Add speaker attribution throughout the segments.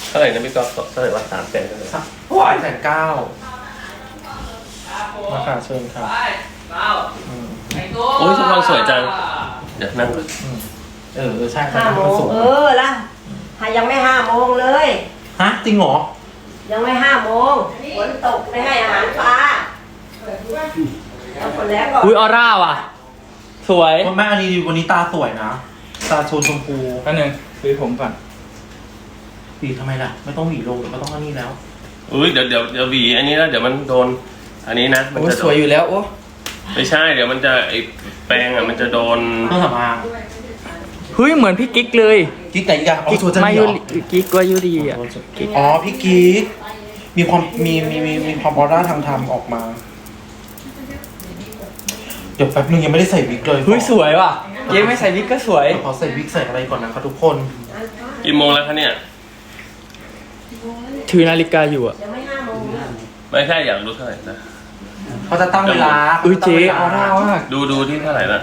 Speaker 1: เท่าไหร่นะพี่ก๊อฟเท่าไหร่ว่า300,000
Speaker 2: ราคาเชิญครับ
Speaker 1: โอ้ยทุกคนสวยจังเดี๋ยวนั่งก่อน
Speaker 2: ใช่ครับ
Speaker 3: 5 โมงละยังไม่5 โมงเลย
Speaker 2: ฮะจริงเหรอ
Speaker 3: ยังไม่5 โมงฝนตกไม่ให้อาหารปลาแล้วคนแล้วก็
Speaker 4: อุ้ยออร่าว่ะสวย
Speaker 2: แม่อันนี้วันนี้ตาสวยนะตาโชนชมพู
Speaker 4: อันหนึ่งซื้อผมก่อน
Speaker 2: หวีทำไมล่ะไม่ต้องหวีลงเดี๋ยวก็ต้องอันนี้แล้ว
Speaker 1: อุ้ยเดี๋ยวหวีอันนี้แล้วเดี๋ยวมันโดนอันนี้นะมัน
Speaker 4: โอ้ย
Speaker 1: จะ
Speaker 4: สวยอยู่แล้วโอ้
Speaker 1: ไม่ใช่เดี๋ยวมันจะไอแปรงอ่ะมันจะโดน
Speaker 2: เครื่องสำอาง
Speaker 4: เฮ้ยเหมือนพี่กิ๊กเลย
Speaker 2: กิ๊กไหนอีกอะอ๋อโชว์จะ
Speaker 4: มา
Speaker 2: มี
Speaker 4: ยุ
Speaker 2: เหรอ
Speaker 4: ริกิ๊กวายุรีอ่ะ
Speaker 2: อ๋อพี่กิ๊กมีความมีความออร่าทางธรรมออกมา เดี๋ยวแป๊บนึงยังไม่ได้ใส่วิกเลย
Speaker 4: เฮ้ยสวยว่ะเย้ไม่ใส่วิกก็สวย
Speaker 2: เดี๋ยวขอใส่วิกใส่อะไรก่อนนะครับทุกคน
Speaker 1: กี่โมงแล้วคะเนี่ย
Speaker 4: ถือนาฬิกาอยู่อ่ะ
Speaker 3: ยังไม่5 โมงนะ
Speaker 1: ไม่ใช่อยากรู้เท่าไหร่นะ
Speaker 2: เขาจะตั้งเวลา
Speaker 4: อุ้ยเจ๊ออร่ามาก
Speaker 1: ดูที่เท่าไหร่ละ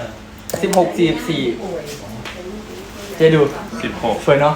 Speaker 4: 16 44เจ๊ดู
Speaker 1: 16
Speaker 4: สวยเนาะ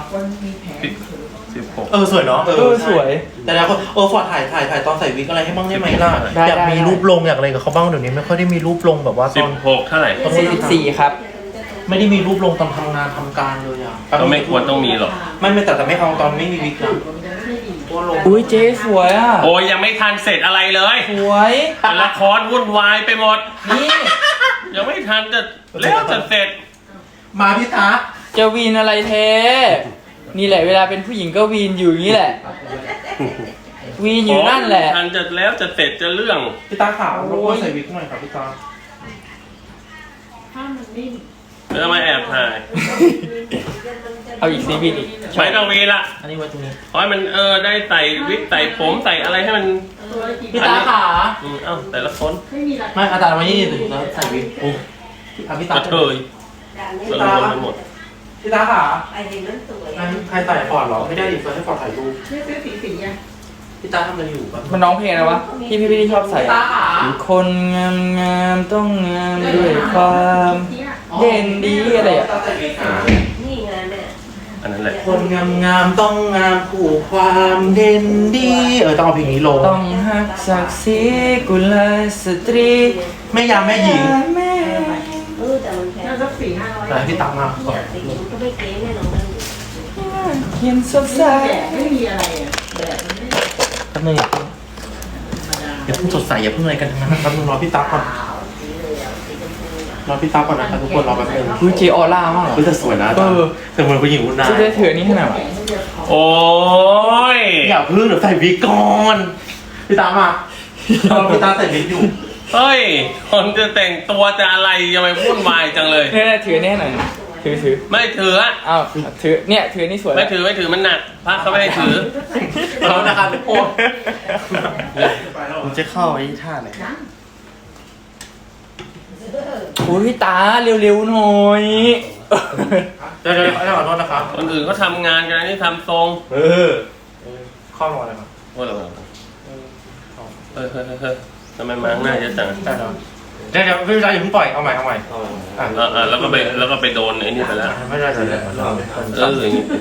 Speaker 1: 16
Speaker 2: สวยเนาะ
Speaker 4: สวย
Speaker 2: แต่แล้วคนฟอร์ดถ่ายตอนใส่วิกอะไรให้บ้างได้ไหมล่ะ
Speaker 4: ได้
Speaker 2: อยากมี
Speaker 4: ได้
Speaker 2: รูปลงอยากอะไรกับเขาบ้างเดี๋ยวนี้ไม่ค่อยได้มีรูปลงแบบว่าตอน
Speaker 1: 16เท่าไหร่
Speaker 4: 44ครับ
Speaker 2: ไม่ได้มีรูปลงตอนทำงานทำการเลยอ่ะ
Speaker 1: ก็ไม่ควรต้องมีหรอก
Speaker 2: ไม่แต่ไม่เอาตอนไม่มีวิกนะตัวลง
Speaker 4: อุ้ยเจ๊สวยอ่ะ
Speaker 1: โอ้ยยังไม่ทันเสร็จอะไรเลย
Speaker 4: สวย
Speaker 1: แต่ละครวุ่นวายไปหมด
Speaker 4: นี่
Speaker 1: ยังไม่ทันจะแล้วจะเสร็จ
Speaker 2: มาพี่ตา
Speaker 4: จะวีนอะไรเทนี่แหละเวลาเป็นผู้หญิงก็วีนอยู่อย่างนี้แหละ วีนอยู่นั่นแหละ
Speaker 1: ทันจะแล้วจะเสร็จจะเรื่อง
Speaker 2: พี่ตาขาวรบกวนใส่วิกหน่อยครับพี่ตา
Speaker 1: แล้วมาแอบถ่าย
Speaker 4: เอาอีกซีบีอีก
Speaker 1: ไม่ต้องมีละ
Speaker 2: อันนี้ไว้ตรงนี้
Speaker 1: ขอให้มันได้ใส่วิกใส่ผมใส่อะไรให้มัน
Speaker 2: พี่ตาขา
Speaker 1: แต่ละคน
Speaker 2: ไม่อาจารย์วันนี้ถึงแล้วใส่วิกพี่ตาก
Speaker 1: ระเทย
Speaker 2: พี่
Speaker 1: ละ
Speaker 2: ตา
Speaker 1: ลนไปหมด
Speaker 2: พี่ตาขา
Speaker 3: ไปเห็นนั้นสวย
Speaker 2: งั้นใครใส่ฟอร์ดเหรอไม่ได้ดิเฟิร์นให้ฟอร์ดถ่ายรูป
Speaker 5: ไม่ซื้อสีอ่ะ
Speaker 2: พี่ตาทำอะไรอยู่ครับ
Speaker 4: มันร้องเพลงอะไรวะที่พี่ชอบใส่อะคนงามงามต้องงามด้วยความเด่นดีอะไรอ่ะ
Speaker 3: นี่ไงแม่
Speaker 1: อันนั้นแหละ
Speaker 2: คนงามต้องงามคู่ความเด่นดีต้องเอาเพลงนี้ลง
Speaker 4: ต้องหักศักดิ์ศรีกุลสตรี
Speaker 2: แม่ยามแม่หญิง
Speaker 4: แม่
Speaker 3: แต่มันแพง
Speaker 5: น่าสัก400-500
Speaker 2: ไหนพี่ตามาก่อน
Speaker 3: แต่หญิงก็ไม่เก๋แน่นอน
Speaker 4: เขียนสดใส
Speaker 5: แดดไม่มีอะไรอ่ะแดดมันไม่
Speaker 2: แป๊บนึงอย่าเพิ่งสดใสอย่าเพิ่งอะไรกันทั้งนั้นแป๊บนึงรอพี่ตาก่อนรอพี่ตาก่อนนะครับทุกคนรอแป๊บนึง
Speaker 4: อุ้ยเจออร่ามาก
Speaker 2: เฮ้ยแต่สวยนะแต่เหมือนผู้หญิงคุณนาย
Speaker 4: จะได้ถือนี่ขนาดไหน
Speaker 1: โอ้ย
Speaker 2: อย่าเพิ่งเดี๋ยวใส่วิกก่อนพี่ตามาพี่ตาใส่วิกอยู่
Speaker 1: เฮ้ยคนจะแต่งตัวจะอะไรยังไม่วุ่นวายจังเลย
Speaker 4: เนี่ยถือนี่หน่อยถือ
Speaker 1: ไม่ถืออะ
Speaker 4: อ้าวถือเนี่ยถือนี่สวย
Speaker 1: ไม่ถือมันหนักพระเขาไม่ให้ถือ
Speaker 2: เรานะครับทุกคน
Speaker 6: ผมจะเข้าไอ้ท่าไหน
Speaker 4: อุ้ยตาเร็วๆหน่อย
Speaker 2: เดี๋ยวขอโทษนะครับ
Speaker 1: คนอื่นเขาทำงานกันอันนี่ทำทรง
Speaker 2: ข้อรอเลยครับ
Speaker 1: โอ้ยเราเฮ้ยทำไมมาข้างหน้าเยอะจัง
Speaker 2: ได้แล้วเดี๋ยวพี่ชายอย่าเพิ่งปล่อยเอาใหม่
Speaker 1: แล้วก็ไปโดนไอ้นี่ไปแล้ว
Speaker 2: ไม่ได้เลย
Speaker 1: อย่างนี้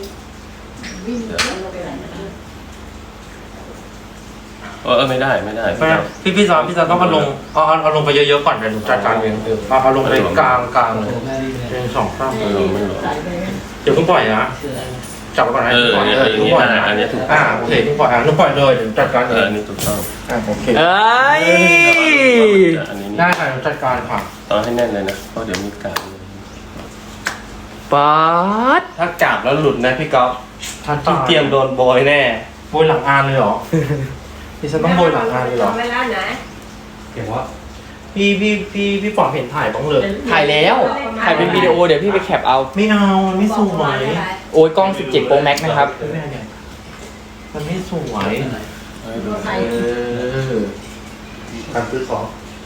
Speaker 1: ไม่ได้
Speaker 2: พี่ซอนต้องเอาลงเอาลงไปเยอะๆก่อนเดี๋ยวจัดการเองเอาลงไปกลางเลยเป็น2 ข้าง
Speaker 1: ไม่รู้
Speaker 2: เดี๋ยวเพิ่งปล่อยนะจับก่อนนะเพิ่งปล่อยนะ
Speaker 1: อันนี้ถูก
Speaker 2: โอเคเพิ่งปล่อยเพิ่งปล่อยเลยเดี๋ยวจัดการเอง
Speaker 1: อันนี้ถูกต้อง
Speaker 2: โอเค
Speaker 4: เอ้ย
Speaker 1: อันนี้
Speaker 2: ได้ค่ะจัดการค่ะ
Speaker 1: ต้องให้แน่นเลยนะเพราะเดี๋ยวมีการ
Speaker 4: ป๊าด
Speaker 6: ถ้าจับแล้วหลุดนะพี่ก๊อฟพี่เตรียมโดนโบยแน่
Speaker 2: โบยหลังอานเลยเหรอพี่ฉันต้องโบยหลังอานเลยเหรอ
Speaker 3: เวลาไหน
Speaker 6: เห็นว่า
Speaker 2: พี่ปอดเห็นถ่ายบ้างเลย
Speaker 4: ถ่ายแล้วถ่ายเป็นวิดีโอเดี๋ยวพี่ไปแคปเอา
Speaker 2: ไม่เอาไม่สวย
Speaker 4: โอ้ยกล้อง17 Pro Max นะครับ
Speaker 2: มันไม่สวย
Speaker 6: การซื้อของ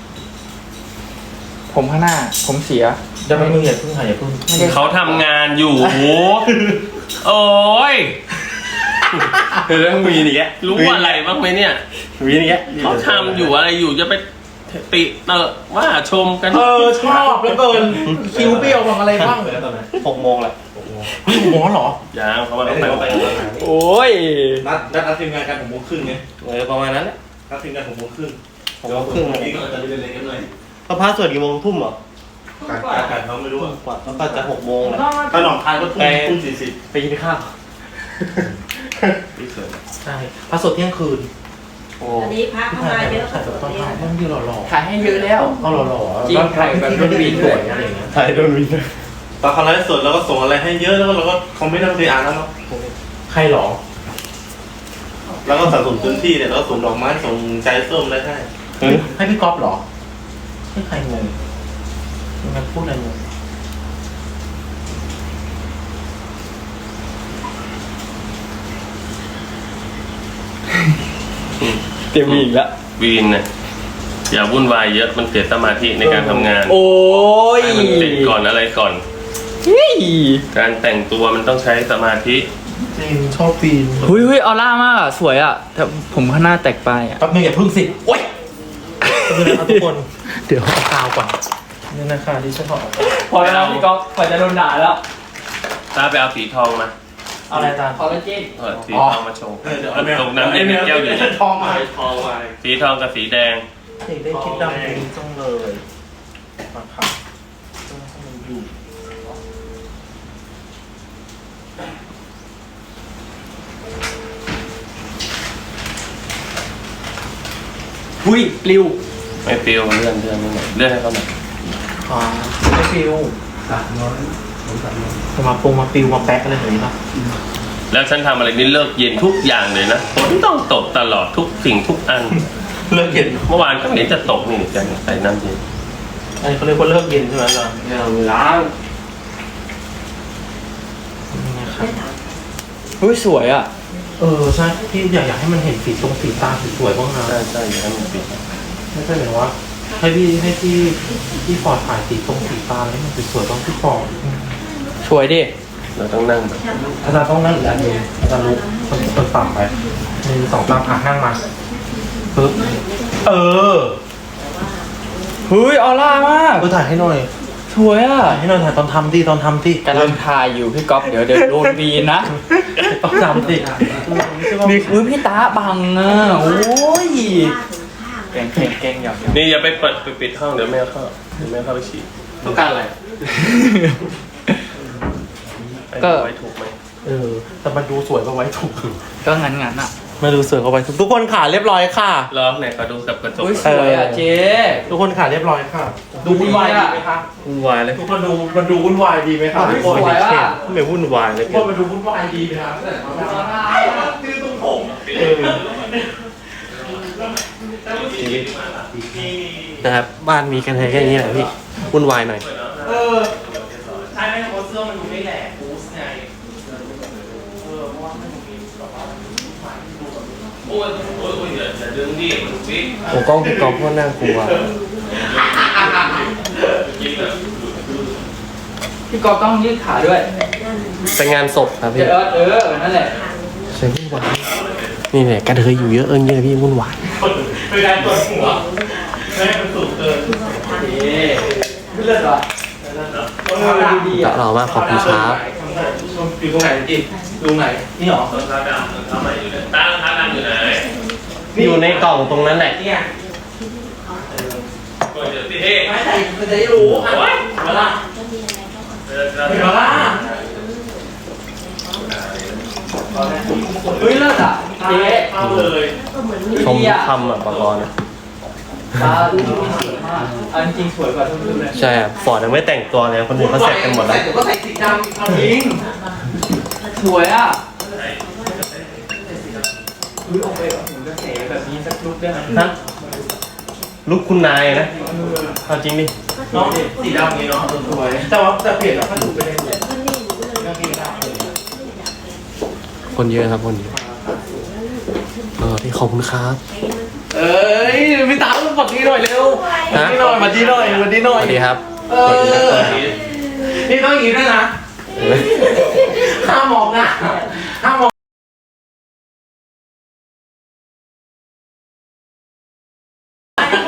Speaker 4: ผมข้างหน้าผมเสีย
Speaker 2: เดี๋ยวมึงอย่าเพิ่งถ่ายอย่าเพิ่ง
Speaker 1: เขาทำงานอยู่โอ้ย
Speaker 6: เรื่องมีนี่แก
Speaker 1: รู้อะไรบ้างไหมเนี่ย
Speaker 6: มีนี่แก
Speaker 1: เขาทำอยู่อะไรอยู่จะไปติเตอะว่าชมกัน
Speaker 2: ชอบแล้วเกินคิวเบี้ยวบ้างอะไรบ้าง
Speaker 6: 6 โมงแหละ
Speaker 2: นี่หมอเหรอ
Speaker 1: ยังเขามาต้องแต่งแต่ง
Speaker 4: โอ้ย
Speaker 6: นัดทีมงานกัน6 โมงครึ่งไง
Speaker 1: ประมาณนั้นแหละ
Speaker 6: นัดทีมงาน6 โมงครึ่ง
Speaker 1: 6 โมงครึ่ง
Speaker 6: นี่ก็จะเล่นๆกันหน่อย
Speaker 1: พระพาสวดกี่โมงทุ่มเหรอ
Speaker 6: การเขาไม่รู้อ่ะ
Speaker 1: กว่าพระพาจะ6 โมงนะ
Speaker 6: ถ้าหนองคายก็ทุ่ม40
Speaker 1: ไปกินข้าว
Speaker 6: พี่เสริม
Speaker 2: ใช่พระสดเที่ยงคืน
Speaker 1: โอ้
Speaker 3: อันนี้พระเข้ามาเยอะ
Speaker 2: ถ่ายแบบตอนถ่ายต้องยืนหล่อ
Speaker 4: ถ่ายให้เยอะแล้ว
Speaker 2: ๆเอาหล่อๆ
Speaker 4: จริงถ่ายแบบ
Speaker 2: รุ่นบีสวยอะไรอย่างเงี้ย
Speaker 1: ถ่ายโดนวิน
Speaker 6: ตอนเขาไลฟ์สดเราก็ส่งอะไรให้เยอะแล้วก็เราก็คอมเมนต์ทางอ่านแล้วเนาะ
Speaker 2: ใครหรอ
Speaker 6: แล้วก็สะสมพื้นที่เนี่ยแล้วก็ส่งดอกไม้ส่งใจส้มอะไรให้
Speaker 2: ให้พี่ก๊อฟเหรอให้ใครงงมันพูดอะไรงง
Speaker 4: เตรียมมีอีกแล้ว
Speaker 1: วีนเนี่ยอย่าวุ่นวายเยอะมันเสียสมาธิในการทำงาน
Speaker 4: โอ้ย
Speaker 1: ให้มันเสร็จก่อนอะไรก่อน
Speaker 4: เฮ้ย
Speaker 1: การแต่งตัวมันต้องใช้สมาธิ
Speaker 2: จริงชอบปีน
Speaker 4: เฮ้ยเฮ้ยออร่ามากอ่ะ สวยอ่ะแต่ผมข้างหน้าแตกไปอ่ะ
Speaker 2: แป๊บนึงอย่าพึ่งสิโอ๊ยแป๊บนึงนะครับทุกคน เดี๋ยวเอากาวก่อนนี่นะคะที่ฉันบอก
Speaker 4: พอแล้วพี่ก๊อฟพอจะโดนด่าแล้ว
Speaker 1: ถ้าไปเอาสีทองมา
Speaker 2: เอาอะไรอาจารย์
Speaker 4: คอลลาเจน
Speaker 1: สีทองมาโชว์ตรงนั้นเป็นแก้วอยู่
Speaker 6: ทองมา
Speaker 1: สีทองกับสีแดง
Speaker 2: เด็กได้คิดดำนี้จังเลยมาครับต้องให้มันอยู่
Speaker 4: หุ้ยปลิว
Speaker 1: ไม่ฟิลเลื่อนไม่หน่อยเลื่อนให้เขาหน่อย
Speaker 2: อ๋อไม่ฟิวมาปรุงมาฟิวมาแป๊กอะไรอย่างนี้ป่ะ
Speaker 1: แล้วฉันทำอะไรนี่เลิกเย็นทุกอย่างเลยนะฝนต้องตกตลอดทุกสิ่งทุกอัน
Speaker 2: เลิกเย็น
Speaker 1: เมื่อวานก็เห็นจะตกนี่จังใส่น้ำเย็น
Speaker 2: อันนี้เขาเรียกว่าเลิกเย็นใช่ไหมอาจารย์
Speaker 1: ล้าง
Speaker 2: นี่นะครับ
Speaker 4: หุ้ยสวยอ่ะ
Speaker 2: ใช่พี่อยากให้มันเห็นสีตรงสีตาสวยๆบ้างนะ
Speaker 1: ใช่ใช่อย่างนั้นมันปิด
Speaker 2: ไม่ใช่เหมือนว่าให้พี่ฟอร์ดถ่ายสีตรงสีตาให้มันสวยๆบ้างพี่ฟอร์ด
Speaker 4: สวยดิ
Speaker 1: เราต้องนั่งแบบ
Speaker 2: อาจารย์ต้องนั่งอีกอันหนึงอาจารย์ลุกคนต่ำไป1 2 3นั่งมาปึ๊บ
Speaker 4: เฮ้ยออร่ามาก
Speaker 2: ถ่ายให้หน่อย
Speaker 4: สวยอ่ะ
Speaker 2: ถ่ายให้หน่อยถ่ายตอนทำดิตอนทำดิ
Speaker 4: กำลังถ่ายอยู่พี่ก๊อฟเดี๋ยวโดนวีนนะ
Speaker 2: ตอนทำดิ
Speaker 4: นี่อุ้ยพี่ตาบังอ่ะโอ้ยเก่งหยอก
Speaker 1: นี่อย่าไปเปิดไปปิดห้องเดี๋ยวแม่เข้าไปฉี่
Speaker 6: ต้องการอะไร
Speaker 1: ก็ไว้ถูกไหม
Speaker 2: แต่มันดูสวยกว่าไว้ถูก
Speaker 4: ก็งั้นอ่ะ
Speaker 2: มาดูสวยกว่าไว้ถูกทุกคนขาเรียบร้อยค่ะ
Speaker 1: ลองไหนขอดูกับกระจก
Speaker 4: อุ้ยสวยอ่ะเจ๊
Speaker 2: ทุกคนขาเรียบร้อยค่ะ ดูวุ่นวายดีไหมคะ
Speaker 1: วุ่นวายเลย
Speaker 2: ทุกคนมันดูวุ่นวายดีไหมคะทุกคน
Speaker 4: สวยอ่ะ
Speaker 1: ไม่วุ่นวายเลย
Speaker 2: ทุกคนมันดูวุ่นวายดีไหมคะ
Speaker 6: นะครับบ้านมีกันแค่นี้แหละพี่วุ่นวายหน่อย
Speaker 2: ใช่ไหมเพราะเสื้อมันดูไม่แหลกบูสไง
Speaker 1: โอ้ยอย่าดึงดิมันฟิต
Speaker 6: ผมกล้องพี่กอล์ฟก็น่ากลัว
Speaker 4: พี่ก๊อฟต้องยืดขาด้วย
Speaker 6: ไปงานศพครับพี่
Speaker 4: นั่นแหละ
Speaker 6: ใช่วุ่นวายนี่แหละกระเทยอยู่เยอะเยอะพี่วุ่นวาย
Speaker 2: เป็นการตรวจหัวไม่ให้มันสูงเกิน
Speaker 4: ไม่เลิศหรอดีอ่ะ
Speaker 6: หล่อมากขอบคุณครับ
Speaker 2: อยู่ตรงไหนจิตรงไหนนี่หรอ
Speaker 1: รองเท้าดำรองเท้าใหม่อยู่ไหนตารองเท้าดำอยู่ไหน
Speaker 6: อยู่ในกล่องตรงนั้นแหละ
Speaker 2: เนี่ย
Speaker 1: ก็เดี๋ยวพี่เฮ้
Speaker 2: ไม่ใช่มันจะได้รู้อ่ะเวลาเวลา
Speaker 4: เฮ้ยเลิศอ่ะเจ๊
Speaker 2: เข้าเลย
Speaker 6: ชมทุกคำอ่ะปกรณ์
Speaker 4: ตาดูสวยมากอันจริงสวยกว่าทุกรุ่นเลย
Speaker 6: ใช่อ่ะฟอร์ดยังไม่แต่งตัวเลยคนอื่นเขาเสร็จกันหมดแล้ว
Speaker 2: ก็ใส่สีดำ
Speaker 4: จริงสวยอ่ะอุ้ยออกไปแบบหมุนกระแสแบบนี้สักลุกได้ไหม
Speaker 6: ฮะลุกคุณนายนะเอาจริงดิ
Speaker 2: เนาะสีดำนี้เนาะสวยแต่เปลี่ยนแล้วก็ดูไปได้เลย
Speaker 6: คนเยอะครับคนเยอะพี่ขอบคุณครับ
Speaker 2: เอ้ยพี่ตาสวัสดีหน่อยเร็วสวัสดีหน่อยสวัสดีหน่อยสวัสดีหน่
Speaker 6: ส
Speaker 2: อย
Speaker 6: วัสดีครับ
Speaker 2: นี่ต้องอย่างนี้ด้วยนะห้ามมองนะห้ามมอง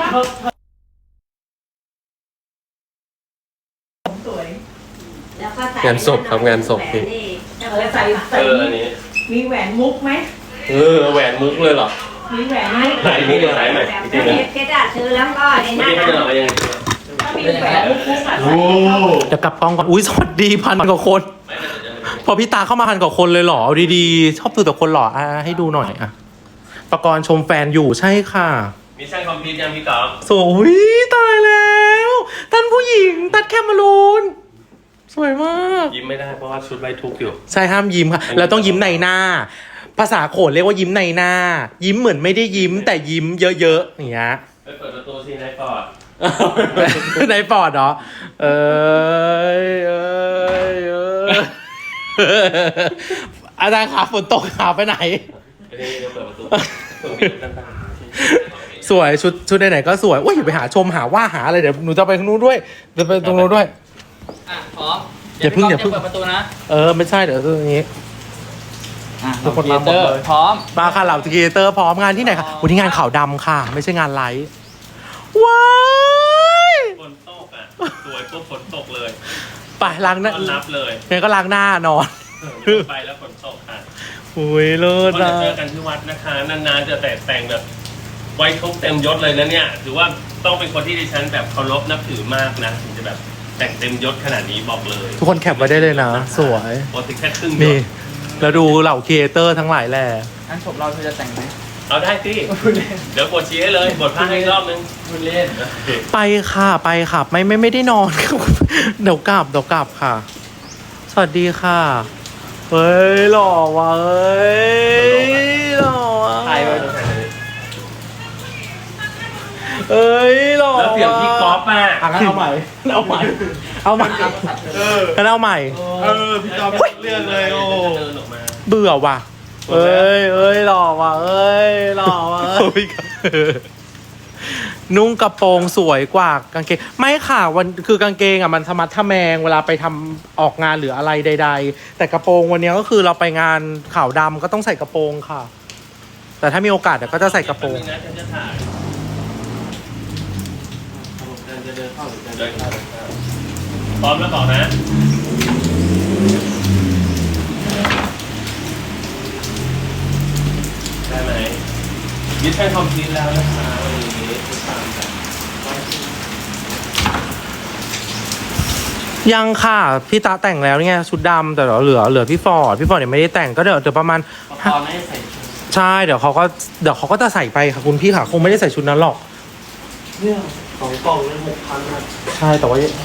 Speaker 5: สวย
Speaker 3: แล้วก็
Speaker 1: งานศพครับงานศพพี่
Speaker 5: ใส่
Speaker 1: อันนี้
Speaker 5: มีแหวนมุกไหม
Speaker 1: แหวนมุกเลยเหรอ
Speaker 5: มีแหวนมุก
Speaker 1: ไหนมุกไหนไหน
Speaker 3: เพชรซื้อแล้วก็ใน
Speaker 1: ไม่
Speaker 3: นั้น
Speaker 1: ได้ให้เราอะไรยังไง
Speaker 5: ถ้ามีแหวนมุกอ่ะ
Speaker 6: โอ้
Speaker 2: เดี๋ยวกลับกล้องก่อนอุ้ยสวัสดีพันกว่าคน พอพี่ตาเข้ามาพันกว่าคนเลยเหรอเอาดีๆชอบดูแต่คนหล่อให้ดูหน่อยอ่ะประกรณ์ชมแฟนอยู่ใช่ค่ะ
Speaker 1: มีช่างคอมพิวเตอร์ยังพี่กอล์ฟ
Speaker 2: สวยตายแล้วท่านผู้หญิงตัดแคมรูนสวยมาก
Speaker 1: ยิ้มไม่ได้เพราะว่าชุดไว้ทุกข์อยู่
Speaker 2: ใช่ห้ามยิ้มค่ะแล้วต้องยิ้มในหน้า ภาษาโขนเรียกว่ายิ้มในหน้า ยิ้มเหมือนไม่ได้ยิ้มแต่ยิ้มเยอะๆอย่างเงี้ย
Speaker 1: ไปเปิดประตูสินายปอด
Speaker 2: ในปอดเหรอเอ้ยอาจารย์ขาฝนตกขาไปไหน
Speaker 1: เดี๋ยวเปิดประตูตั้ง
Speaker 2: สวยชุดไหนๆก็สวยโอ้ยอย่าไปหาชมหาว่าหาอะไรเดี๋ยวหนูจะไปตรงนู้นด้วยเดี๋ยวไปตรงนู้นด้วย
Speaker 4: อ่ะพร้อม
Speaker 2: อย่าเพิ่ง
Speaker 4: เปิดประตูนะ
Speaker 2: ไม่ใช่เดี๋ยวตรงนี้
Speaker 4: อ่ะ
Speaker 2: ทุกคนมาหมดเลย
Speaker 4: พร้อม
Speaker 2: มาค่ะเหล่าครีเอเตอร์พร้อมงานที่ไหนคะวันนี้งานขาวดำค่ะ ไม่ใช่งานไลฟ์ว้าย
Speaker 1: ฝนตกอ่ะสวยปุ๊บฝนตกเลย
Speaker 2: ไปล้างหน้า
Speaker 1: ต้อนรับเลย
Speaker 2: งั้นก็ล้างหน้านอน
Speaker 1: ไปแล้วฝนตกค่ะ
Speaker 2: อุ้ยเลิศ
Speaker 1: ก็จะ
Speaker 2: นะ
Speaker 1: เจอกันที่วัดนะคะนานๆจะแต่งแบบไว้ทุกเต็มยศเลยนะเนี่ยถือว่าต้องเป็นคนที่ดิฉันแบบเคารพนับถือมากนะถึงจะแบบแต่งเต็มยศขนาดนี้บอกเลย
Speaker 2: ทุกคนแคปไว้ได้เลยนะ สวย
Speaker 1: ปกติแค่ครึ่งย
Speaker 2: นี่
Speaker 1: ศ
Speaker 2: แล้วดูเหล่าครีเอเตอร์ทั้งหลายแหละ
Speaker 4: งั้นจบเราเธอจะแต่งไหม
Speaker 1: เอาได้สิเดี๋ยวบทชี้ให้เลยบทพากให้อีกรอบนึง
Speaker 4: คุณเล่น
Speaker 2: ไปค่ะไปค่ะไม่ได้นอน เดี๋ยวกลับค่ะ สวัสดีค่ะเฮ้ยหล่อว่ะเฮ้ยหล่อว่ะ
Speaker 4: ถ่ายไว้
Speaker 2: เอ้ยหล่อ
Speaker 1: แล้วเสียงพี่ก๊อฟอ่ะ
Speaker 2: งั้นเอาใหม่งั้นเอาใหม่งั้นเอาใหม่
Speaker 6: พี่จอมเรื่องเลยโอ้
Speaker 1: เดินออกมา
Speaker 2: เบื่อว่ะเอ้ยหล่อว่ะเอ้ยหล่อว่ะนุ่งกระโปรงสวยกว่ากางเกงไม่ค่ะคือกางเกงอ่ะมันธรรมะทะแมงเวลาไปทำออกงานหรืออะไรใด ๆ แต่กระโปรงวันนี้ก็คือเราไปงานขาวดำก็ต้องใส่กระโปรงค่ะ แต่ถ้ามีโอกาสเดี๋ยวก็จะใส่กระโปรง
Speaker 1: แป๊บนึนะฉันจะถ่ายเดินเข้าพร้อมแล้วบอกนะได้ไหมมิชชั่นคอมพลีทแล้วนะคะวันนี้ทุกท่านแบบ
Speaker 2: ยังค่ะพี่ตาแต่งแล้วเนี่ยชุดดำแต่เดี๋ยวเหลือพี่ฟอร์ดเนี่ยไม่ได้แต่งก็เดี๋ยวประมาณ
Speaker 4: พอไม่ได้ใส่ชุด
Speaker 2: ใช่เดี๋ยวเขาก็จะใส่ไปค่ะคุณพี่ค่ะคงไม่ได้ใส่ชุดนั้นหรอก
Speaker 6: เนี่ย2 กล่องเลย6,000นะ
Speaker 2: ใช่แต่ว่า